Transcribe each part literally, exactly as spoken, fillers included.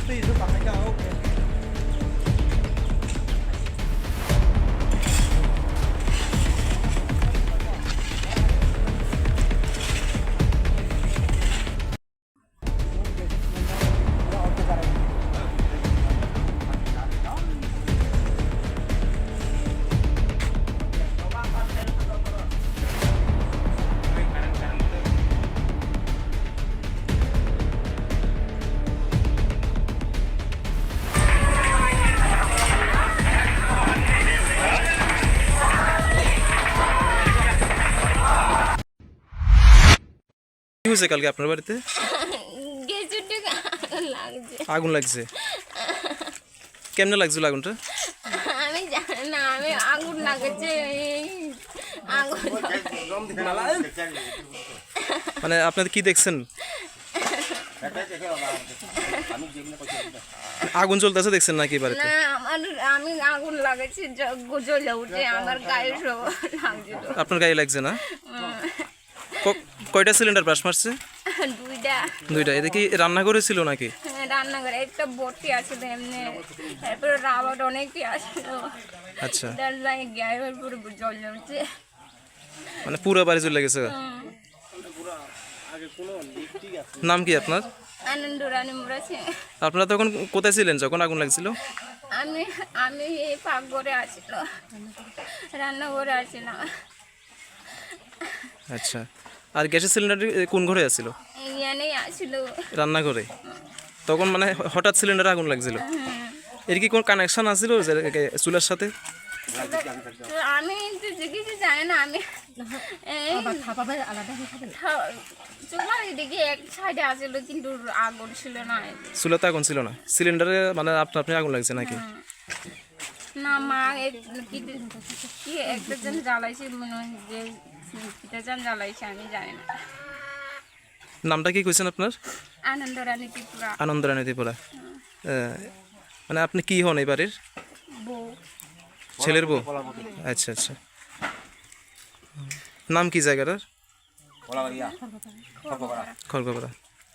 কি হয়েছে কালকে আপনার বাড়িতে? আগুন লাগছে। কেমনে লাগছিল আগুনটা? আমি জানি না, আমি আগুন লাগছে আগুন মানে আপনাদের কি দেখছেন? আগুন জ্বলতেছে দেখছেন নাকি বাড়িতে? না, আমার আমি আগুন লাগাচ্ছি জ্বলে উঠে আমার গায়ে সব লাগছিল। আপনার গায়ে লাগছে না? কয়টা সিলিন্ডার ব্রাশ মারছে? দুইটা। দুইটা। এটা কি রান্নাঘরে ছিল নাকি? রান্নাঘরে একটা বটি আছে এমনি, তারপরে রাবার অনেকই আসলো। আচ্ছা, তার লাগে গ্যাসের পুরো জ্বলে উঠছে, মানে পুরো বাড়ি জ্বলে গেছে। নাম কি আপনার? আনন্দ রানী মুরাছে। আপনারা তখন কোথায় ছিলেন যখন আগুন লাগছিল? আমি আমি এই পাকঘরে আসছিল, রান্নাঘরে আসছিলাম। আচ্ছা, আর গ্যাসের সিলিন্ডার কোন ঘরে আছিল? ইয়ানেই আসছিল, রান্নাঘরে। তখন মানে হঠাৎ সিলিন্ডারে আগুন লাগছিল। এর কি কোন কানেকশন আছিল চুলার সাথে? আমি তো কিছু জানি না। আমি চুলার এদিকে এক সাইডে আসছিল কিন্তু আগুন ছিল না। চুলাতে আগুন ছিল না, সিলিন্ডারে মানে আপনা আপনি আগুন লাগছে নাকি? না, মা কি একটা জন জ্বালাইছে, মনে হয় যে কিটা জন জ্বালাইছে, আমি জানি না। নামটা কি কইছেন আপনার? আনন্দ রানী ত্রিপুরা। আনন্দ রানী ত্রিপুরা। মানে আপনি কি হন এই বাড়ির? বউ। ছেলের বউ? আচ্ছা আচ্ছা। নাম কি জায়গাটার? খড়গপাড়া।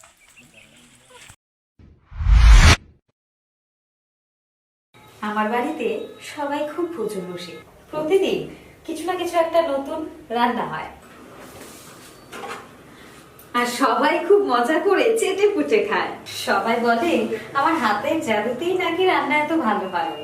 আমার বাড়িতে সবাই খুব প্রচুর বসে, প্রতিদিন কিছু না কিছু একটা নতুন রান্না হয়, আর সবাই খুব মজা করে চেটে পুটে খায়। সবাই বলে আমার হাতের জাদুতেই নাকি রান্না এত ভালো হয়।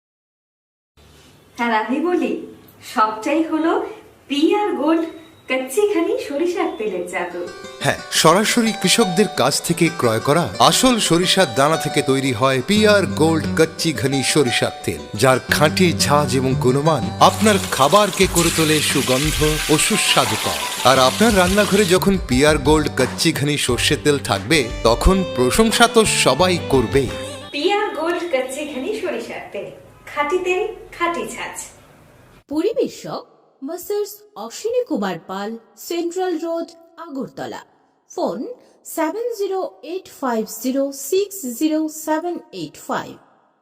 আর আমি বলি সবটাই হলো পিআর গোল্ড কচ্চিখানি সরিষার তেলের জাদু। হ্যাঁ, সরাসরি কৃষকদের কাছ থেকে ক্রয় করা আসল সরিষার দানা থেকে তৈরি হয় পিআর গোল্ড কচ্চি ঘনি সরিষার তেল, যার খাঁটি ঝাঁজ এবং গুণমান আপনার খাবারকে করে তোলে সুগন্ধ ও সুস্বাদুকর। আর আপনার রান্নাঘরে যখন পিআর গোল্ড কচ্চি ঘনি সর্ষের তেল থাকবে, তখন প্রশংসা তো সবাই করবে। পিআর গোল্ড কচ্চিখানি সরিষার তেল, খাঁটি তেল, খাঁটি ঝাঁজ। পরিবেশক Messrs Ashwini Kumar Pal, central road, Agartala. Phone seven zero eight five zero six zero seven eight five.